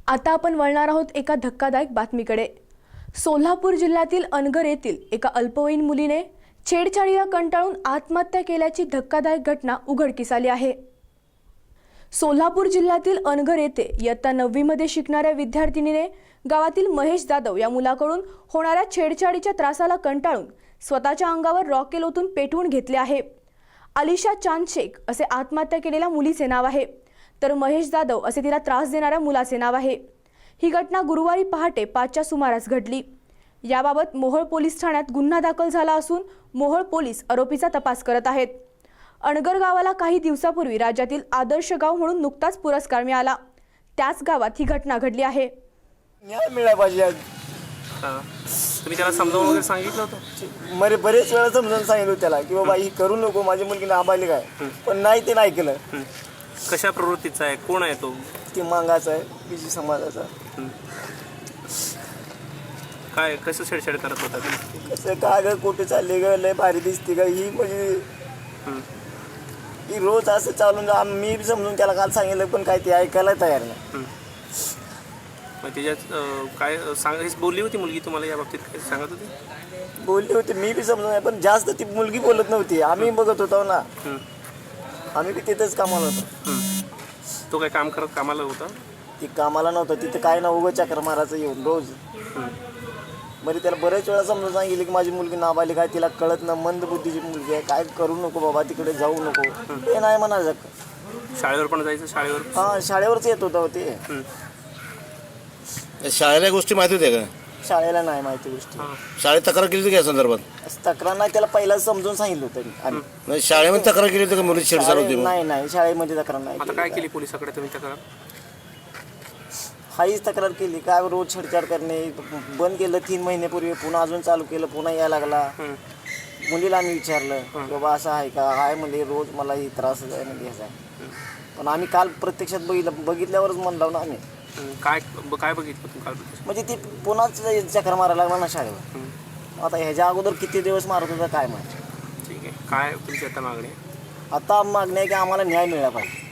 आता आपण वळणार आहोत एका धक्कादायक बातमीकडे। सोलापूर जिल्ह्यातील अनगर येथील एका अल्पवयीन मुलीने छेडछाडीला कंटाळून आत्महत्या केल्याची धक्कादायक घटना उघडकीस आली आहे। सोलापूर जिल्ह्यातील अनगर येथे इयत्ता 9वी मध्ये शिकणाऱ्या विद्यार्थिनीने गावातील महेश जाधव या मुलाकडून होणाऱ्या छेडछाडीच्या त्रासाला कंटाळून स्वतःच्या अंगावर रॉकेल ओतून पेटवून घेतले आहे। अलिशा चांद शेख असे आत्महत्या केलेल्या मुलीचे नाव आहे, तर महेश जाधव असे तिला त्रास देणाऱ्या मुलाचे नाव आहे। ही घटना गुरुवारी पहाटे 5च्या सुमारास घडली। याबाबत मोहोळ पोलीस ठाण्यात गुन्हा दाखल झाला असून मोहोळ पोलीस आरोपीचा तपास करत आहेत। अनगर गावाला काही दिवसापूर्वी राज्यातील आदर्श गाव म्हणून नुकताच पुरस्कार मिळाला, त्याच गावात ही घटना घडली आहे। न्याय मिळाला पाहिजे। तुम्ही त्याला समजावून वगैरे सांगितलं होतं? मरे बरेच वेळा समजावून सांगितलं त्याला की बाबा ही करू नको, माझी मुलगी नाबालिग आहे, पण नाही ते नाही केलं। कशा प्रवृत्तीचा आहे, कोण आहे तो? ती मांगाचा आहे, बीजी समाजाचा। काय कसं छेडछाड करत होता? कसं का ग, कुठे चालले ग, लय भारी दिसते का ही, म्हणजे ही रोज असं चालून मी बी समजून त्याला काल सांगितलं, पण काय ते ऐकायला तयार नाही। मग त्याच्यात काय हेच बोलली होती मुलगी तुम्हाला या बाबतीत? काय सांगत होती? बोलली होती, मी बी समजून, पण जास्त ती मुलगी बोलत नव्हती। आम्ही बघत होतो ना, आम्ही बी तिथंच कामाला होतो। तो काय कामाला होता? ती कामाला नव्हतं तिथं, काय ना उगं चक्र मारायचं येऊन रोज। बरं त्याला बरेच वेळा समजून सांगितलं की माझी मुलगी नाबालिग आहे, तिला कळत ना, मंद बुद्धीची मुलगी आहे, काय करू नको बाबा, तिकडे जाऊ नको, ते नाही म्हणायचं। शाळेवर पण जायचं? शाळेवर? हां, शाळेवरच येत होतं ते। शाळेला गोष्टी माहिती होत्या का? शाळेला नाही माहिती गोष्टी। शाळेत तक्रार केली होती या संदर्भात? तक्रार नाही, त्याला पहिला समजून सांगितलं होतं आम्ही। नाही, शाळेमध्ये तक्रार केली होती का मुली छेडछाड होती? नाही, शाळेमध्ये तक्रार नाही। आता काय केली पोलिसाकडे तुम्ही तक्रार? हाईच तक्रार केली, काय रोज छेडछाड करणे बंद केलं 3 महिन्यापूर्वी, पुन्हा अजून चालू केलं, पुन्हा यायला लागला। मुलीला आम्ही विचारलं की बाबा असं आहे का? आहे म्हणजे रोज मला ही त्रास घ्यायचा आहे, पण आम्ही काल प्रत्यक्षात बघितल्यावरच म्हणलो ना आम्ही। काय बघितलं तू काल? म्हणजे ती पुन्हाच चक्र मारायला लागला ना शाळेवर। आता ह्याच्या अगोदर किती दिवस मारत होता काय माहिती। ठीक आहे, काय तुमची आता मागणी? आता मागणी आहे की आम्हाला न्याय मिळाला पाहिजे।